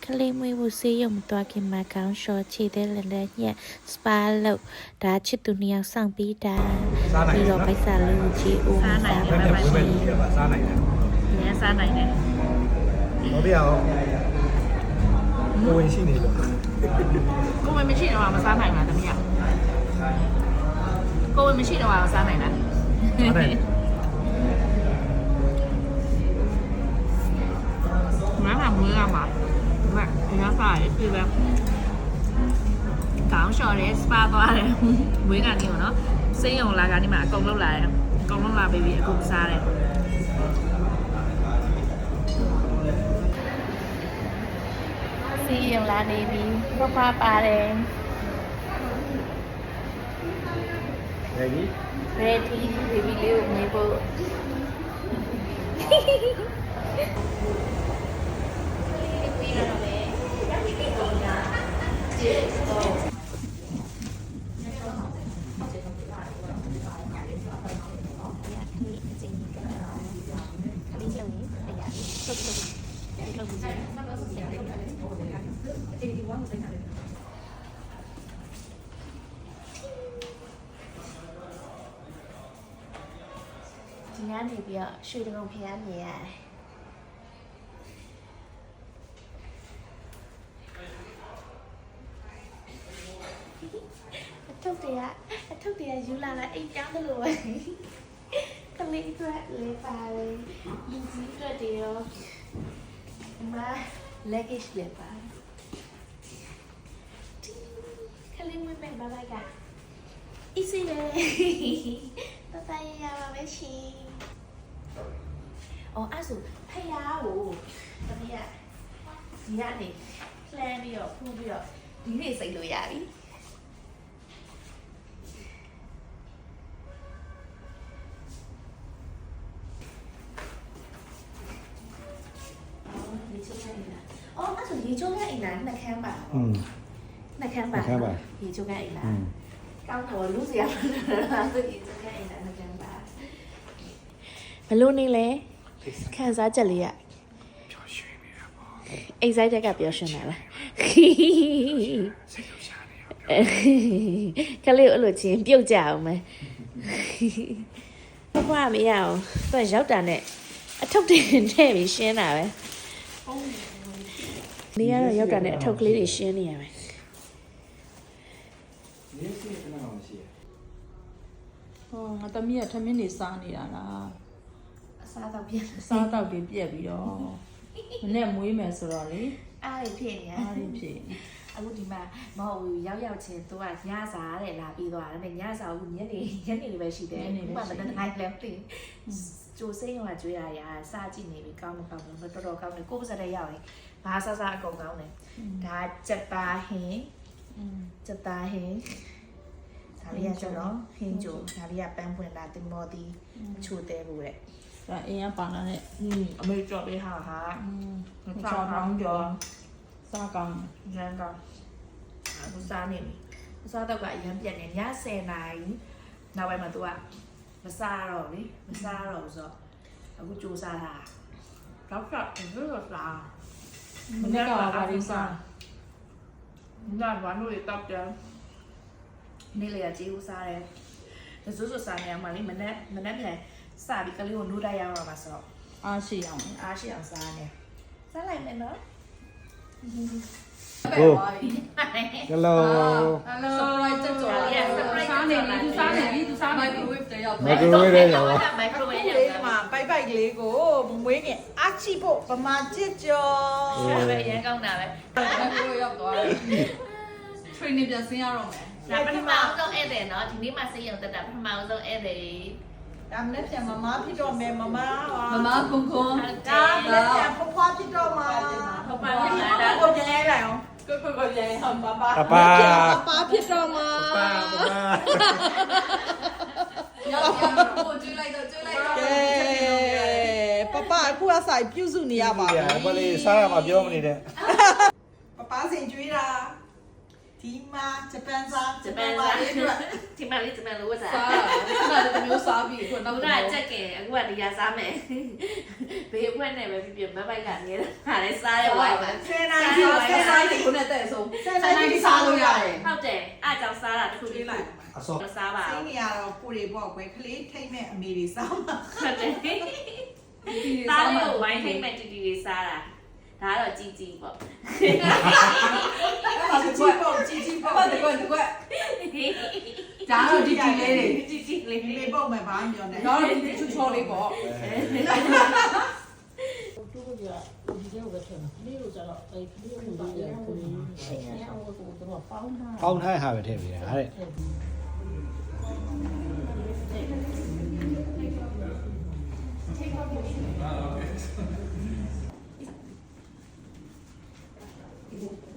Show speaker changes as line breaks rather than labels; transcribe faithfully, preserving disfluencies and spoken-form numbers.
ကလေးမွေးဖို့ဆေးရုံမသွားခင်မှာခေါင်းလျှော်ခြေသေးလည်းလည်းညက်စပါလို့ဒါချစ်သူနှစ်ယောက်ဆောင်ပြီးတာပြီးတော့ပိုက်ဆာလေးကိုကြည့်ဦးစားနိုင်တယ်ပါရှင်စားနိုင်တယ်။ညစားနိုင်တယ်။
ဘာပြောကိုဝင်ရှိနေလို့
ကိုဝင်မရှိတော့မစားနိုင်လားတမီး။ကိုဝင်မရှိတော့မစားနိုင်လား။စားနိုင်မမမွေးရမှာမညစားရပြီပဲကောင်းလျှော်တယ်စပါသွားတယ်မွေးကနေရောနော်စိတ်ရုံလာကနေမှအကုန်လုံးလာတယ်အကုန်လုံးလာပြီအကုန်စားတယ်
ဆေးရုံလာနေပြီဖဖပါတယ်
ready
ready baby လေးကိုမြင်ဖို့ဒီညနေပြီးတော့ရွှေတုံဖျားမြင်ရတယ်အထုပ်တွေကအထုပ်တွေကယူလာလာအိမ်ပြောင်းတယ်လို့ပဲကလေးအတွက်လေးပါတယ်လူကြီးအတွက်တွေရောဒီမှာ luggage လေးပါတယ်ကလေးမမေ့ပါလိုက်ကအီးစီပဲတတရရပါပဲရှင်အော်အဲ့ဆိုဖယားကိုတမီးကဒီကနေ plan ပြီးတော့ဖူးပြီးတော့ဒီနေ့စိတ်လို့ရပြီအော်အဲ့ဆိုရေချိုးကအိမ်လားနှစ်ခမ်းပါอืมနှစ်ခမ်းပါရေချိုးကအိမ်လားကောင်းတော့လူစရာလာဆိုရေချိုးကအိမ်လားနှစ်ခမ်းပါဘလို့နေလဲခံစားချက်လေးရပျော်ရွှင်နေတာပေါ့အိမ်ဆိုင်တက်ကပျော်ရွှင်တာလားစိတ်လှုပ်ရှားနေရောကလေးအဲ့လိုချင်းပြုတ်ကြအောင်မယ်ဘွားမရအောင်သူကရောက်တာနဲ့အထုပ်တင်ထဲပြီးရှင်းတာပဲနေရတော့ရောက်တာနဲ့အထုပ်ကလေးတွေရှင်းနေရမယ်
နေစီကနာမရှိရ
ဟောငါတမီးကထမင်းနေစားနေတာလား
အစားတော့ပြက်
အစားတော့ပြပြက်ပြီးတော့မနဲ့မွေးမယ်ဆိုတော့လေ
အားရဖြစ်နေ
အားရဖြစ်
အခုဒီမှာမဟုတ်ဘူးရောက်ရောက်ချင်းသူကညစားတဲ့လာပြီးသွားတယ်ညစားအခုညနေညနေလေးပဲရှိတယ်ဥပမာမနေ့တိုင်းလည်းပြင်ကျိုးစိမ့်ရောကျွေးရရစကြည့်နေပြီကောင်းမကောင်းဘူးတော်တော်ကောင်းတယ်ကိုယ်ပါစတဲ့ရောက်ရင်ဘာဆဆအကုန်ကောင်းတယ်ဒါစက်သားဟင်းစက်သားဟင်းဒါလေးကကျွန်တော်ဟင်းကျိုးဒါလေးကပန်းပွင့်လာတင်မော်တီချိုတဲဘူးတဲ့
ဒါအင်းကပါလာတဲ့
อืมအမေကြော်ပေးဟာဟာ
อืมချောင်းကောင်းကြောစားကောင်း
ရန်ကောင်းအခုစားနေပြီအစားတော့ကအရင်ပြက်နေညဆယ်နာရီနောက်ပိုင်းမှာ तू ကမစားတော့လေမစားတော့ဆိုတော့အခုစူးစားတာတော့ကဘယ်လိုစား
မနေ့ကဘာလို့စား
ညဘာလို့လဲတောက်တယ်နေ့လေကကြေးဦးစားတယ်ဒါဆိုဆိုစားနေရမှာလေမနေ့မနေ့ပြန်စပြီးကလေးကိုနိုးတိုက်ရအောင်ပါဆိုတော့
အားရှိအောင်
အားရှိအောင်စားနေစားလိုက်မယ်နော်
ဟို hello
hello surprise တက်ကြော်လာစားနေပြီသူစားနေပြီသူစားနေပြီ microwave တရောက်
microwave တရောက်
microwave ရောက်
မှာပိုက်ပိုက်လေးကိုမွေးငယ်အချိဖို့ဗမာကြစ်ကြော်
ပဲရန်ကောင်းတာပဲ
microwave ရောက်သွားတယ် training ပြန်ဆင်းရတော့မယ်
ဒါပထမအောင်ဆုံးဧည့်သည်နော်ဒီနေ့မှဆေးရုံတက်တာပထမအောင်ဆုံးဧည့်သည်
ဒါမနေ့ပြန်မမဖြစ်တော့မယ်မမ
မမကွန်ကွန်
ဒါမနေ့ပြန်ဖွားဖွားဖြစ်တော့မှာ
ဟုတ်ပါဘူးဒါ
ကိုပြန်ရဲလိုက်အောင်ကိုကိုကိုပြန်အောင်ပါပါ
ပါပါ
ပါဖြစ်တော့မှာ
ပါပါ
ရောက်ရောက်ကိုကျွေးလိုက်တော့ကျွေးလိုက်တော့
ပပအခုအဆိုင်ပြုစုနေရပါပြီ
ဘာလဲစားရမှာပြောမနေတဲ့
ပပစင်ကျွေးတာဒီမှာဂျပန်စား
ဂျပန်စားဒီမှာလေးဂျပန်လိုဝတ်စား
စားတာဒီမှာမျိုးစားပြီး
ခုနောက်ကကြက်ကင်အခုကဒီရစားမယ်ဘေးအဖွဲနဲ့ပဲပြပြမပိုက်ကနေဒါလည်းစားရဝိုင်းပါ
ဆယ်နာရီကျော်
ကိုနဲ့တဲ့ဆုံးဆန်နိုင်ပြီးစားလို့ရတယ်
ဟုတ်တယ်အားကြောင့်စားတာတစ်ခုလေးလိုက်
အစော
စားပါ
စိတ်နေရတော့ကိုတွေပေါ့ကွယ်ကလေးထိတ်မဲ့အမေတွေစားမှာ
ဟုတ်တယ်သားလေးကိုဝိုင်းထိတ်မဲ့တီတီလေးစားတာဒါကတော့ជីជីပေါ့
အဲ့ဒါကြည့်ပေါ့ကြည့်ကြည့်ပေါ့
ဟုတ်တယ်ကွယ်ကွယ်ဒါတော့ဒီဒီလေးတွေ
ជីជីလေး
ဒီလေးပေါ့မယ်ဘာမှပြောနေ
တော့ချူချောလေးပေါ့
တူကဒီကဘယ်ထင်လဲလေးလို့ကျတော့အဲ့ဒီလေးကိုလည်းကိုယ်အဲ့အဝတ်ကိုတော့ပေါင်းထား
ပေါင်းထားဟာပဲထည့်ပေးတာတဲ့
က